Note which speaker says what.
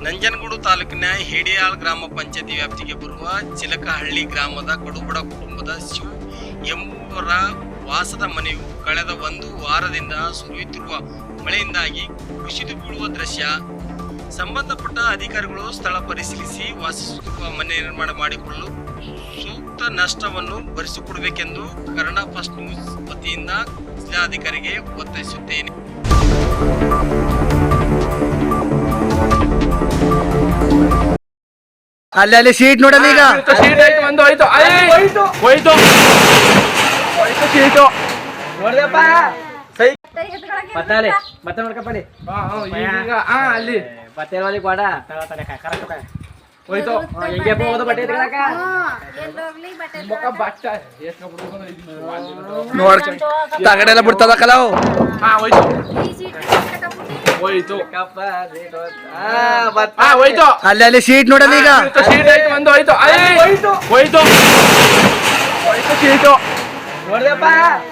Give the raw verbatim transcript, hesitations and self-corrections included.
Speaker 1: ನಂಜನಗೂಡು ತಾಲೂಕಿನ ಹೇಡಿಯಾಳ್ ಗ್ರಾಮ ಪಂಚಾಯತಿ ವ್ಯಾಪ್ತಿಗೆ ಬರುವ ಚಿಲಕಹಳ್ಳಿ ಗ್ರಾಮದ ಕಡುಬಡ ಕುಟುಂಬದ ಶಿವ್ ಎಂಬುವರ ವಾಸದ ಮನೆಯು ಕಳೆದ ಒಂದು ವಾರದಿಂದ ಸುರಿಯುತ್ತಿರುವ ಮಳೆಯಿಂದಾಗಿ ಕುಸಿದು ಬೀಳುವ ದೃಶ್ಯ. ಸಂಬಂಧಪಟ್ಟ ಅಧಿಕಾರಿಗಳು ಸ್ಥಳ ಪರಿಶೀಲಿಸಿ ವಾಸಿಸುತ್ತಿರುವ ಮನೆ ನಿರ್ಮಾಣ ಮಾಡಿಕೊಳ್ಳಲು ಸೂಕ್ತ ನಷ್ಟವನ್ನು ಭರಿಸಿಕೊಡಬೇಕೆಂದು ಕನ್ನಡ ಫಸ್ಟ್ ನ್ಯೂಸ್ ವತಿಯಿಂದ ಜಿಲ್ಲಾಧಿಕಾರಿಗೆ ಒತ್ತಾಯಿಸುತ್ತೇನೆ.
Speaker 2: ಅಲ್ಲಿ ಅಲ್ಲಿ ಸೀಟ್ ನೋಡಲ್ಲ ಈಗ
Speaker 3: ಸೀಟ್ ಆಯ್ತು ಒಂದು ಹೋಯ್ತು ಹೋಯ್ತು ಹೋಯ್ತು ಹೋಯ್ತು ಸೀಟು ನೋಡ್ದಪ್ಪ ಸೈ
Speaker 2: ಬತ್ತಾಲೆ ಬತ್ತ ನೋಡ್ಕಪ್ಪಲಿ
Speaker 3: ಈಗ ಹಾ ಅಲ್ಲಿ
Speaker 2: ಬತ್ತೇವಲಿ ಕೊಡ
Speaker 3: ಹೋಯ್ತು
Speaker 2: ಹೆಂಗೆ ಹೋಗೋದು ಬಟ್ಟೆ ತಗೊಳಕ
Speaker 3: ಮುಖ ಬಟ್ಟ ಎಷ್ಟು
Speaker 2: ನೋಡ್ ತಗಡೆಲ್ಲ ಬಿಡ್ತದ ಕಲಾವು
Speaker 3: ಹಾ ಹೋಯ್ತು ಹೋಯ್ತು ಹಾ ಹೋಯ್ತು
Speaker 2: ಅಲ್ಲಿ ಅಲ್ಲಿ ಸೀಟ್ ನೋಡಲ್ಲ ಈಗ
Speaker 3: ಸೀಟ್ ಆಯ್ತು ಒಂದು ಹೋಯ್ತು ಹೋಯ್ತು ಹೋಯ್ತು ಹೋಯ್ತು ಸೀಟು
Speaker 2: ನೋಡ್ದಪ್ಪ